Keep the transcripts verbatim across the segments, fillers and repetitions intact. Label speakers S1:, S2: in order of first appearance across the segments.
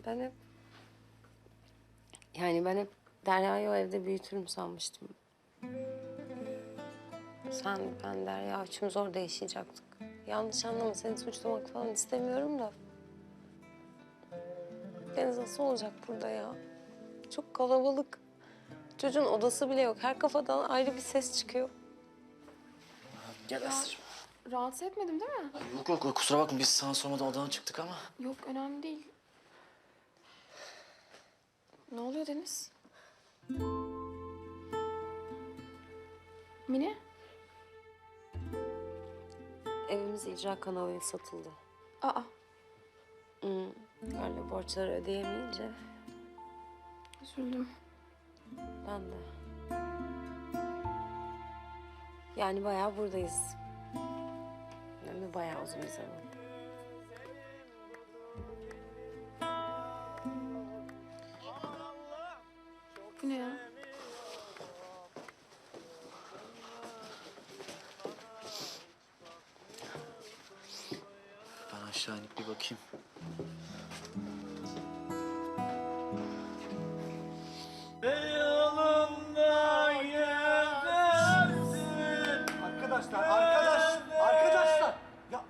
S1: Ben hep... Yani ben hep Derya'yı o evde büyütürüm sanmıştım. Sen, ben, Derya üçümüz orada yaşayacaktık. Yanlış anlama, seni suçlamak falan istemiyorum da. Deniz nasıl olacak burada ya? Çok kalabalık. Çocuğun odası bile yok. Her kafadan ayrı bir ses çıkıyor.
S2: Gel Aslı'cığım.
S3: Rahatsız etmedim değil mi?
S2: Ay yok yok kusura bakma biz sana sormadan odadan çıktık ama.
S3: Yok, önemli değil. Ne oluyor Deniz? Mine?
S1: Evimiz icra kanalıyla satıldı.
S3: Aa,
S1: Hmm. Öyle borçları ödeyemeyince
S3: üzüldüm.
S1: ben de. Yani bayağı buradayız. Hem de bayağı uzun bir zaman.
S3: Bu ne ya?
S2: Ben aşağı inip bir bakayım.
S4: Arkadaşlar, arkadaş, arkadaşlar. Ya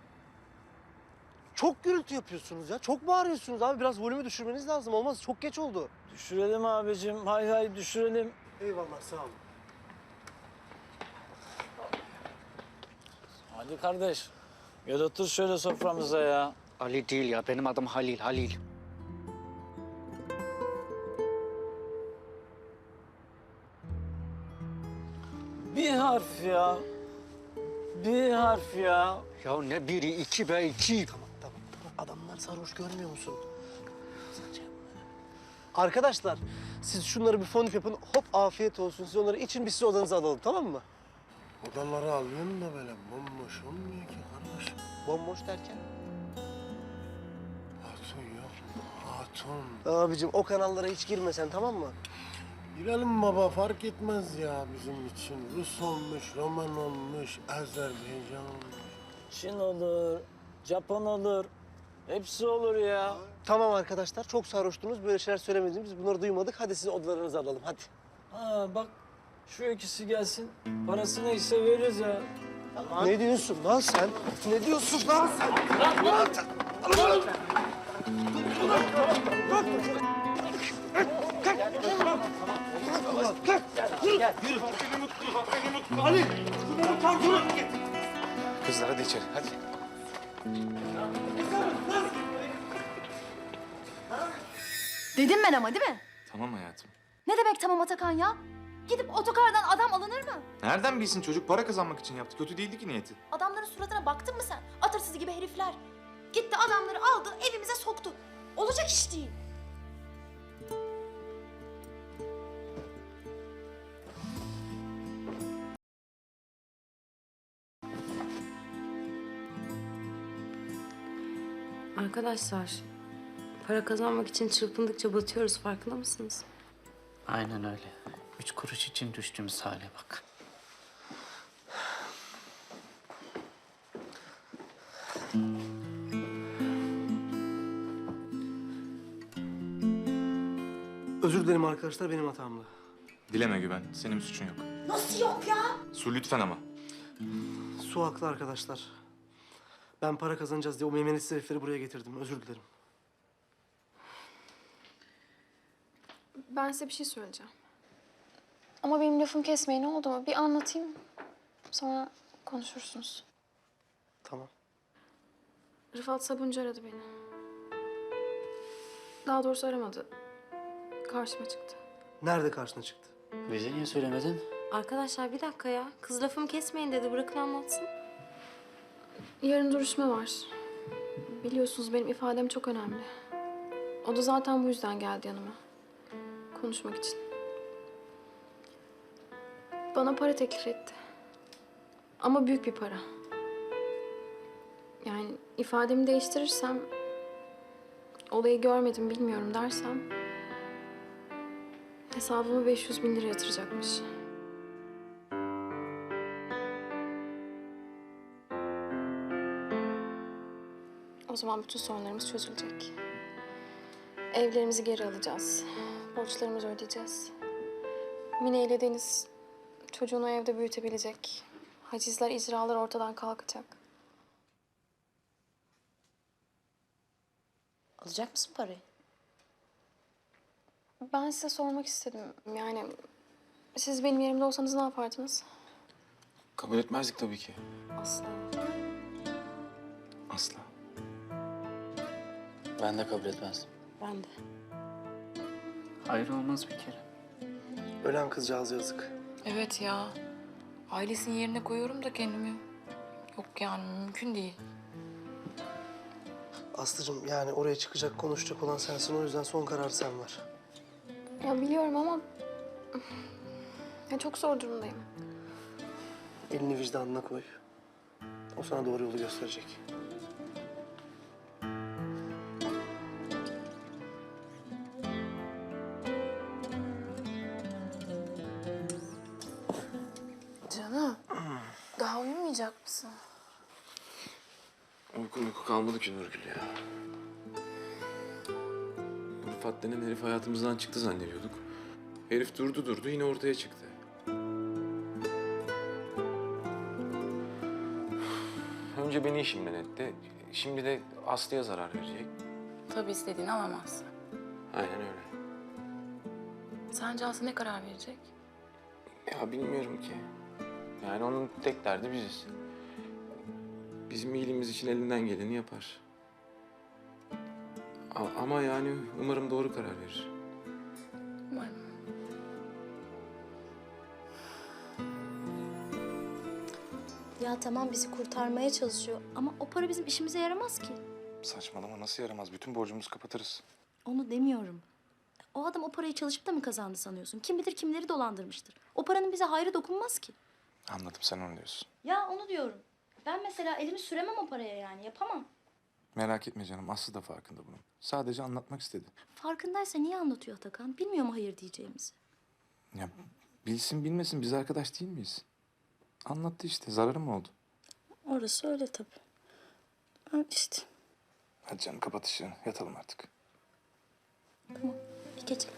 S4: çok gürültü yapıyorsunuz ya. Çok bağırıyorsunuz abi. Biraz volümü düşürmeniz lazım. Olmaz. Çok geç oldu.
S5: Düşürelim abicim. Hay hay düşürelim.
S4: Eyvallah, sağ olun.
S5: Hadi kardeş. Gel otur şöyle soframıza ya.
S2: Ali değil ya benim adım Halil Halil.
S5: Bir harf ya. Bir harf ya.
S2: Ya ne biri iki be iki.
S4: Tamam, tamam, tamam. Adamlar sarhoş, görmüyor musun? Sen şey yapma. Arkadaşlar, siz şunları bir fondip yapın. Hop, afiyet olsun. Siz onları için, biz sizi odanıza alalım, tamam mı?
S6: Odaları alıyorum da böyle bomboş olmuyor ki kardeşim.
S4: Bomboş derken?
S6: Hatun yok mu? Hatun.
S4: Abicim, o kanallara hiç girmesen, tamam mı?
S6: Girelim baba, fark etmez ya bizim için. Rus olmuş, Roman olmuş, Azerbaycan olmuş.
S5: Çin olur, Japon olur. Hepsi olur ya.
S4: Tamam arkadaşlar, çok sarhoştunuz. Böyle şeyler söylemediğimiz, bunları duymadık. Hadi sizi odalarınıza alalım, hadi.
S5: Ha bak şu ikisi gelsin. Parası neyse veririz ya.
S4: Ne diyorsun lan sen? Ne diyorsun lan sen?
S7: Kızlar hadi içeri hadi.
S8: Dedim ben ama değil mi?
S7: Tamam hayatım.
S8: Ne demek tamam Atakan ya? Gidip otokardan adam alınır mı?
S7: Nereden bilsin çocuk para kazanmak için yaptı. Kötü değildi ki niyeti.
S8: Adamların suratına baktın mı sen? Atırsız gibi herifler. Gitti adamları aldı evimize soktu. Olacak iş değil.
S1: Arkadaşlar, para kazanmak için çırpındıkça batıyoruz, farkında mısınız?
S2: Aynen öyle. Üç kuruş için düştüğümüz hale bak.
S4: Özür dilerim arkadaşlar, benim hatamdı.
S7: Dileme Güven. Senin suçun yok.
S8: Nasıl yok ya?
S7: Su lütfen ama.
S4: Su haklı arkadaşlar. Ben para kazanacağız diye o meymenetsiz herifleri buraya getirdim. Özür dilerim.
S3: Ben size bir şey söyleyeceğim. Ama benim lafımı kesmeyin, ne oldu mu? Bir anlatayım. Sonra konuşursunuz.
S4: Tamam.
S3: Rıfat Sabuncu aradı beni. Daha doğrusu aramadı. Karşıma çıktı.
S4: Nerede karşına çıktı?
S2: Bize niye söylemedin?
S1: Arkadaşlar bir dakika ya. Kız lafımı kesmeyin dedi. Bırakın anlatsın.
S3: Yarın duruşma var. Biliyorsunuz benim ifadem çok önemli. O da zaten bu yüzden geldi yanıma. Konuşmak için. Bana para teklif etti. Ama büyük bir para. Yani ifademi değiştirirsem, olayı görmedim bilmiyorum dersem, hesabıma beş yüz bin lira yatıracakmış. O zaman bütün sorunlarımız çözülecek. Evlerimizi geri alacağız. Borçlarımızı ödeyeceğiz. Mine ile Deniz çocuğunu evde büyütebilecek. Hacizler, icralar ortadan kalkacak.
S8: Alacak mısın parayı?
S3: Ben size sormak istedim. Yani siz benim yerimde olsanız ne yapardınız?
S7: Kabul etmezdik tabii ki.
S3: Asla.
S7: Asla.
S2: Ben de kabul etmezdim.
S1: Ben de.
S2: Hayır olmaz bir kere.
S4: Ölen kızcağız yazık.
S9: Evet ya. Ailesinin yerine koyuyorum da kendimi. Yok yani mümkün değil.
S4: Aslıcığım yani oraya çıkacak, konuşacak olan sensin. O yüzden son karar sen ver.
S3: Ya biliyorum ama ya çok zor durumdayım.
S4: Elini vicdanına koy. O sana doğru yolu gösterecek.
S9: Canım. Daha uyumayacak mısın?
S10: Uyku uyku kalmadı ki Nurgül ya. Bu Rıfat denen herif hayatımızdan çıktı zannediyorduk. Herif durdu durdu yine ortaya çıktı. Önce beni işimden etti. Şimdi de Aslı'ya zarar verecek.
S9: Tabii istediğini alamazsın.
S10: Aynen öyle.
S9: Sence Aslı ne karar verecek?
S10: Ya bilmiyorum ki. Yani onun tek derdi biziz. Bizim iyiliğimiz için elinden geleni yapar. A- ama yani umarım doğru karar verir.
S9: Umarım.
S8: Ya tamam bizi kurtarmaya çalışıyor ama o para bizim işimize yaramaz ki.
S7: Saçmalama, nasıl yaramaz? Bütün borcumuzu kapatırız.
S8: Onu demiyorum. O adam o parayı çalışıp da mı kazandı sanıyorsun? Kim bilir kimleri dolandırmıştır. O paranın bize hayrı dokunmaz ki.
S7: Anladım, sen onu diyorsun.
S8: Ya onu diyorum. Ben mesela elimi süremem o paraya yani yapamam.
S7: Merak etme canım, Aslı da farkında bunun. Sadece anlatmak istedi.
S8: Farkındaysa niye anlatıyor Atakan? Bilmiyor mu hayır diyeceğimizi?
S7: Ya bilsin bilmesin, biz arkadaş değil miyiz? Anlattı işte, zararı mı oldu?
S8: Orası öyle tabii. Öyle işte.
S7: Hadi canım, kapat ışığını, yatalım artık.
S8: Tamam. İyi geceler.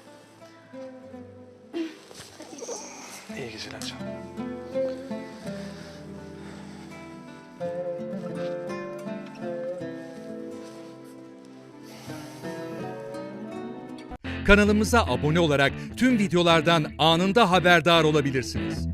S7: İyi geceler canım.
S11: Kanalımıza abone olarak tüm videolardan anında haberdar olabilirsiniz.